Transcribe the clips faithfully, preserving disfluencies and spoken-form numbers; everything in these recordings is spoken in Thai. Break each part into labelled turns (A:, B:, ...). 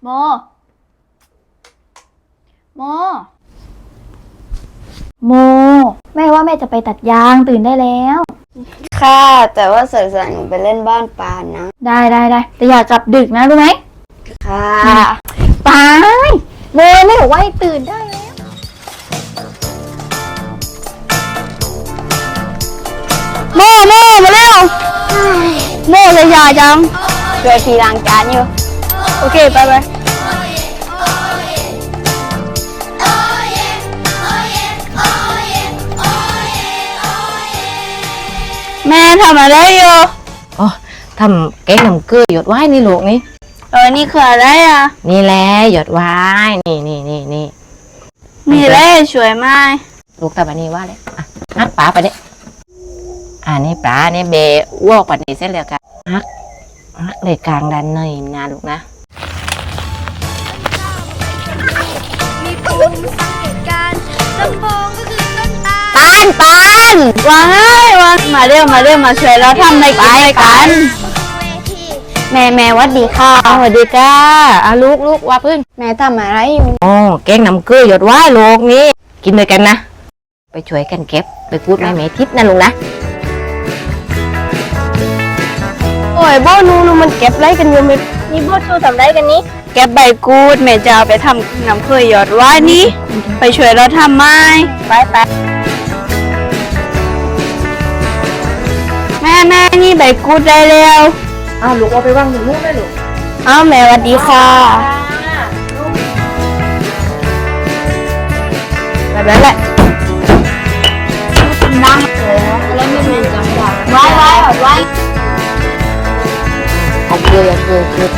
A: โมโมโมแม่ว่าแม่จะไปตัดยางตื่นได้แล้ว
B: ค่ะแต่ว่าสายๆหนูไปเล่นบ้านปานนะ
A: ได้ได้ได้แต่อย่ากลับดึกนะรู้ไหม
B: ค่ะ
A: ไปโมไม่บอกว่าให้ตื่นได้แล้วโมโมมาเร็วโมเลยยาจัง
B: ช่วยพี่ล้างจานอยู่
A: โอเคไปไปแม่ทำอะไรอยู่
C: อ๋อทำแกงน้ำเกลือหยดไว้นี่ลูกนี่
A: เออนี่คืออะไรอ่ะ
C: นี่แหละหยดไว้นี่นี่นี่นี่
A: มีอะไรสวยมาก
C: ลูกตาบันนี้ว่าเลยอ่ะฮักปลาไปเด้อ่านี่ปลาเนี่ยเบวอกปันนี้เสร็จแล้วกันฮักฮักเลยกลางดันเนยนะลูกนะ
D: มีปุ่มสังเกตการลำโพงก็คือต้นตา
A: ปานปานวางให้วางมาเร็วมาเร็วมาช่วยเราทำในกิจกันแม่แม่วัดดีค่ะ
C: สวัสดีจ้าอ่ะลูกลูกว่าพื้น
B: แม่ทำอะไรอยู่
C: อ๋อแกงน้ำเกลือหยดไว้ลูกนี่กินด้วยกันนะไปช่วยกันเก็บไปพูดแม่แม่ทิพย์นะลูกนะ
A: โอ้ยโบนูนูมันเก็บไรกันอยู่มั้ยนี่โบชูทำไรกันนี้เก็บใบกูดแม่จะเอาไปทำน้ำเกลือหยดไว้นี่ไปช่วยเราทำไหมไปไปแม่แม่นี่ใบกูดได้แล้ว
C: อ้าวลูกเอาไปวางหนูลูกได้ลูก
A: อ้าวแม่สวัสดีค่ะ
C: แบบนั้นแหละ
A: นั่งแล้วไม่เป็นจังหวะไว้ไว้ไว้
C: เอาเกลือเกลือเกลือ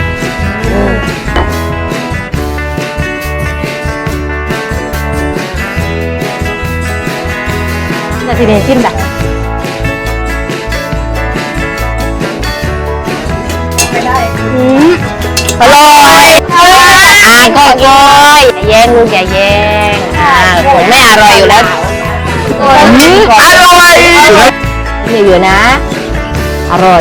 C: นาทีนี้ชิมแบบ
A: ไม่ได้
C: อืมอร่อยอ่าก็เลยเย็นลูกอย่าเย็นอ่าผมไม่อร่อยอยู่แล้วอืมอร่อยนี่อยู่นะอร่อย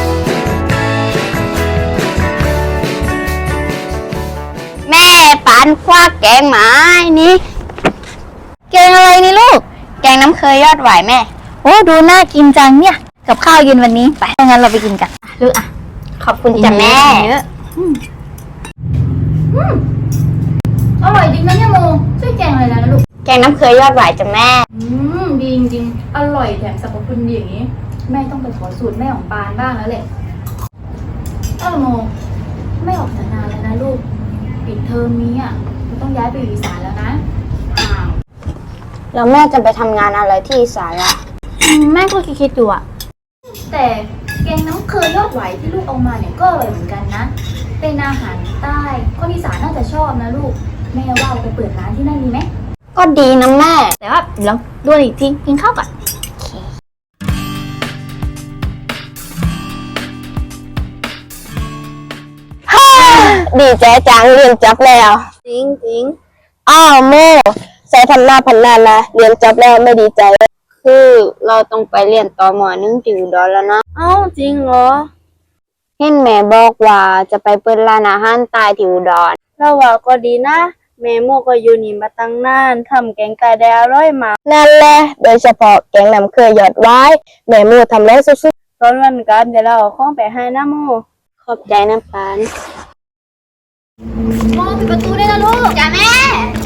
B: แม่ปานคว้าแกงหมานี่
A: แกงอะไรนี่ลูก
B: แกงน้ำเคยยอดหวายแม่
A: โอ้ดูน่ากินจังเนี่ยกับข้าวเย็นวันนี้ไปงั้นเราไปกินกันลูกอ่ะ
B: ขอบคุณจ้ะแม่
A: อร่อยจริงนะเนี่ยโมช่วยแกงอะไรนะลูก
B: แกงน้ำเคยยอดหวายจ้ะแม่
A: อืมดีจริงอร่อยแถมสรรพคุณดีอย่างนี้แม่ต้องไปขอสูตรแม่ของปานบ้างแล้วแหละเออโมไม่ออกจากนานแล้วนะลูกปิดเทอมนี้อ่ะเราต้องย้ายไปอยู่อีสานแล้วนะอ้าว
B: แล้วแม่จะไปทำงานอะไรที่อีสานล่ะ
A: แม่ก็คิดๆอยู่อ่ะแต่แกงน้ำเคยยอดไหวที่ลูกเอามาเนี่ยก็อร่อยเหมือนกันนะเป็นอาหารใต้คนอีสานน่าจะชอบนะลูกแม่ว่าไปเปิดร้านที่นั่นดีไหม
B: ก็ดีนะแม่
A: แต่ว่าเดี๋ยวดูอีกทีกินข้าวก่อน
B: ดีใจจังเรียนจบแล้ว
A: จริงจริง
B: อ้าวโมใส่ทำหน้าพันหน้านะเรียนจบแล้วไม่ดีใจคือเราต้องไปเรียนต่อหมอนึงที่อุดรแล้วนะ
A: เอ้าจริงเหรอ
B: เห็นแม่บอกว่าจะไปเปิดร้านอาหารใต้ที่อุดร
A: เราว่าก็ดีนะแม่โมก็อยู่นี่มาตั้งนานทำแกงไก่ได้อร่อยมาก
B: นั่นแหละโดยเฉพาะแกงน้ำเคยหยอดไว้แม่โมทำแล้วสุด
A: ๆตอนวันกันเดี๋ยวเราเอาของไปให้นะโม
B: ขอบใจนะปาน
A: โมปิดประตูได้แล้วลูก
B: จ้าแม่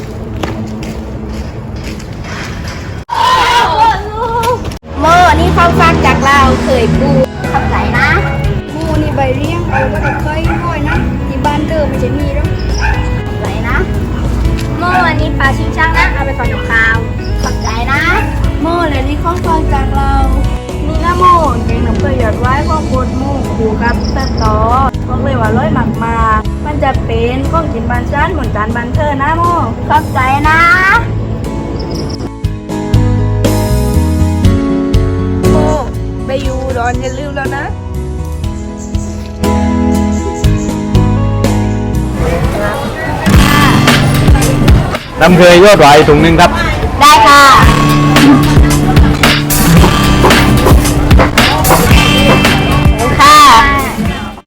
A: โมนี่ข้าวฟักจากเราเคยปู
B: ขอบใจนะ
D: หมูนี่ใบเลี้ยงเอาก็จะเคยห้อยนะที่บ้านเธอไม่ใช่มีหรอก
B: ขอบใจนะ
A: โมอันนี้ปลาชิงช่างนะเอาไปฝากกับข้าว
B: ขอบใจนะ
A: โมและนี่ข้าวฟักจากเรานี่นะโมแกงน้ำเคยหยอดไว้ข้าวโพดหมูคู่กับแซ่บต่อบอกเลยว่าร้อยหมักมามันจะเป็นข้องกินบานชั้นเหมือนจานบันเทอร์นะโม
B: ขอบใจนะ
D: โมไปอยู่ดอนอย่าลืมแล้วนะ
E: น้ำเคยยอดไหวถุงหนึ่งครับ
B: ได้ค่ะ